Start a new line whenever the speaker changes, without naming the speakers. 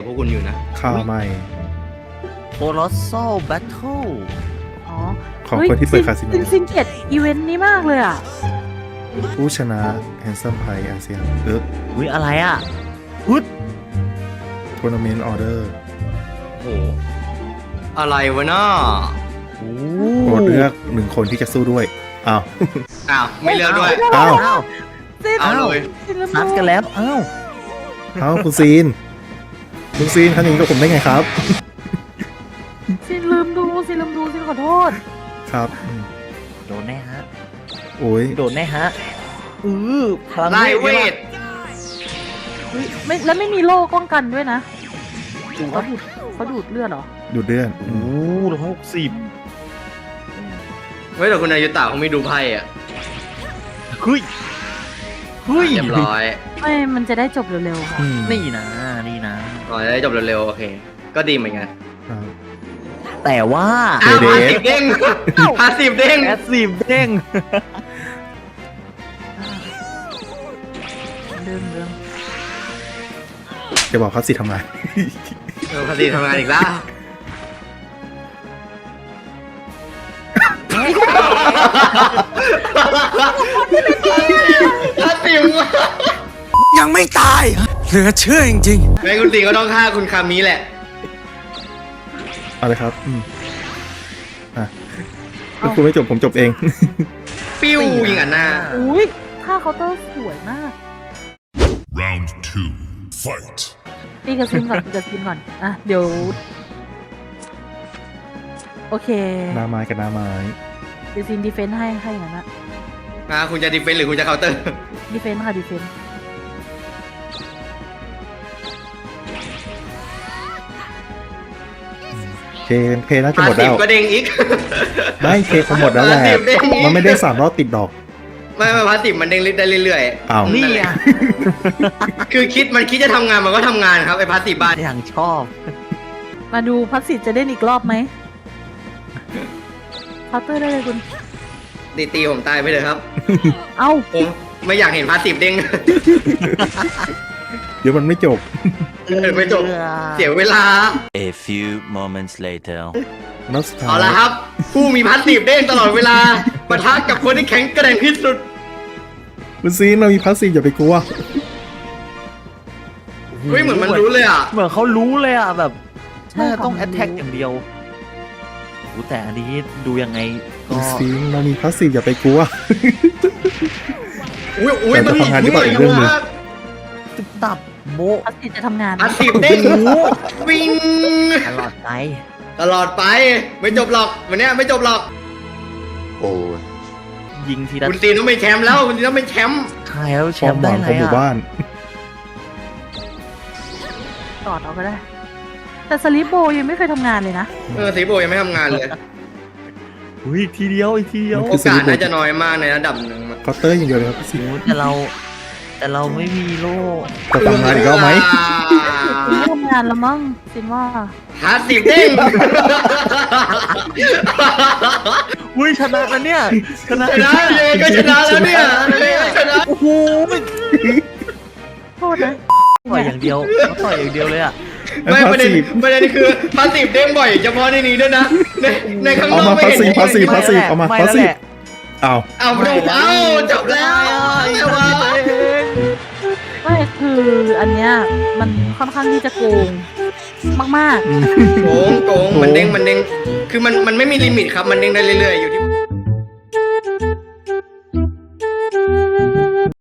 วกคุณอยู่นะ
ข่าวใหม่
Colossal Battle
อ๋อ
ของคนที่เปิดคาสิโน
ซินเกตอีเวนต์นี้มากเลยอ่ะ
ผู้ชนะ Handsome Prize อาเซียน
อุ้ยอะไรอ่ะฮึด
Tournament Order
โอ้โหอะไรวะน้า
โอ้
โปรดเลือกหนึ่งคนที่จะสู้ด้วยอ้าว
อ้าวไม่เลือกด้วย
อ้าว
อ้าว
ซิน
เอาเลย
ซินลืม
นัดกันแล้วอ้าว
อ้าวคุณซีนทำอย่างนี้กับผมได้ไงครับ
ซินลืมดูซินขอโทษ
ครับ
โดนแน่ฮะ
โอ้ย
โดนแน่ฮะพลัง
ไล่เวท
เฮ้ยไม่แล้วไม่มีโล่ป้องกันด้วยนะเขาดูดเลือดเหรอ
ดูดเดือน
โอ้160
เฮ้ยแต่คุณอายุตาเขาไม่ดูไพ่อ่ะ
เฮ้ย
เรียบร้อย
ไม่มันจะได้จบเร็วๆค่ะ
นี่นะ
ก่อนจะได้จบเร็วๆโอเค ก็ดีเหมือนกัน
ครับ
แต่ว่า
อ้าว
เด
พา
เด
สิบเด้งพาสิบเด้ง
แอดซีฟเด้ง
เรื่อง
จะบอกเขาสิทำไม
พาสิบทำงานอีกแล้วพาสิบ
ยังไม่ตายเหลือเชื่อจริงๆ
แม่คุณตีก็ต้องฆ่าคุณคามิแหละ
เอาเลยครับอ่ะถ้าคุณไม่จบผมจบเอง
ปิ้วยิงอันหน้า
อุ้ยท่าเคาน์เตอร์สวยมาก
Round 2. Fight.
ตีกับซินก่อนอ่ะเดี๋ยวโอเค
หน้าไม้กับหน้าไม้
เดี๋ยวซินดีเฟนต์ให้อย่างนั้นนะ
คุณจะดีเฟนส์หรือคุณจะเคาน์เตอร์
ดีเฟนต์ค่ะดีเฟนต์
เพน่าจะ
พา
หมด
สิ
แล้
บ
ว
ก็เด้งอีก
ไม่เคคงหมดแล้วแหละ
พาสิบเด้งอีก
มันไม่ได้3 รอบติดดอก
ไม่พาสิบมันเด้งได้เรื่อยๆ
อ้าว
นี่
นั่นแห
ไง
ละคือมันคิดจะทำงานมันก็ทำงานครับไอ้พาสิบบ้าน
อย่างชอบ
มาดูพัสสิทธิ์จะเล่นอีกรอบไหมเคาน์เตอร์ได้เลยคุณ
ตีผมตายไปเลยครับ
เอ้า
ผมไม่อยากเห็นพาสิบเด้ง
เดี๋ยวมันไม่จบ
ไม่จบ เสียเวลา
A few moments later
นัดสุดท้าย
เอาละครับ ผู้มีพาสิบเด้งตลอดเวลาปะทะกับคนที่แข็งแกร่งที่สุด
คุณซีนเรามีพาสซีฟอย่าไปกลัว
เฮ้ยเหมือนมันรู้เลยอ่ะ
เหมือนเขารู้เลยอ่ะแบบ
ใช่
น่าจะต้อง
ค่ะ
แอ t แทกอย่างเดียวโอ้แต่อันนี้ดูยังไงก็
คุณซีนเรามีพาสซีฟอย่าไปกลัว
อุ้ย
แต่
มัน
จะทำงานหรือเปล่าอีกเรื่องหนึ่ง
ตึบตับโบะ
พัสสิทธิ์จะทำงาน
พาสิบเด้งวิ่ง
ตลอดไป
ตลอดไปไม่จบหรอกวันเนี้ยไม่จบหรอก
ยิงทีละ
คุณตีนต้องเป็นแชมป์แล้วคุณตีนต้องเป็นแชมป์
ใช่แล้วแช
ความ
มป์
ห
ได้
วัง
ไร
ของหมู่
อ่ะ
บ้าน
ตอดเอาก็ได้ แต่สลิปโบยังไม่เคยทำงานเลยนะ
สีโบยังไม่ทำงานเลย
อุ้ยอีกทีเดียว
โอกาสน่าจะน้อยมากในระดับหนึ่ง
เคาน์เตอร์อย่างเดียวเลยครับพี่ซีน
โอ้แต่เราไม่มีโล่
จะทำงานอีกแล้วไหม
ซินไม่ทำงานแล้วมั้งซินว่า
พาสิบเด้ง
อุ้ยชนะแล้วเนี่ยชนะ
ชนะเลยก็ชนะแล้วเนี่ยเลยก็ชนะ
โอ้โห
โทษนะ
ต่อยอย่างเดียวเขาต่อยอย่างเดียวเลยอ่ะ
ไม่ประเด็นคือพาสิบเด้งบ่อยเฉพาะในนี้ด้วยนะในข้างน
เอา
อก
มา
ไม่
พาส
เห็น
ซีฟพาสซีฟพาสซีฟเอามา
ไม่
พาส
แล้ว
ซี
แห
ฟ
ละ
เอา
เอาจบแล้วแต่ว่า
ไม่คืออันเนี้ยมันค่อนข้างที่จะโกงมาก
โกงมันเด้งคือมันไม่มีลิมิตครับมันเด้งได้เรื่อยๆอยู่ที่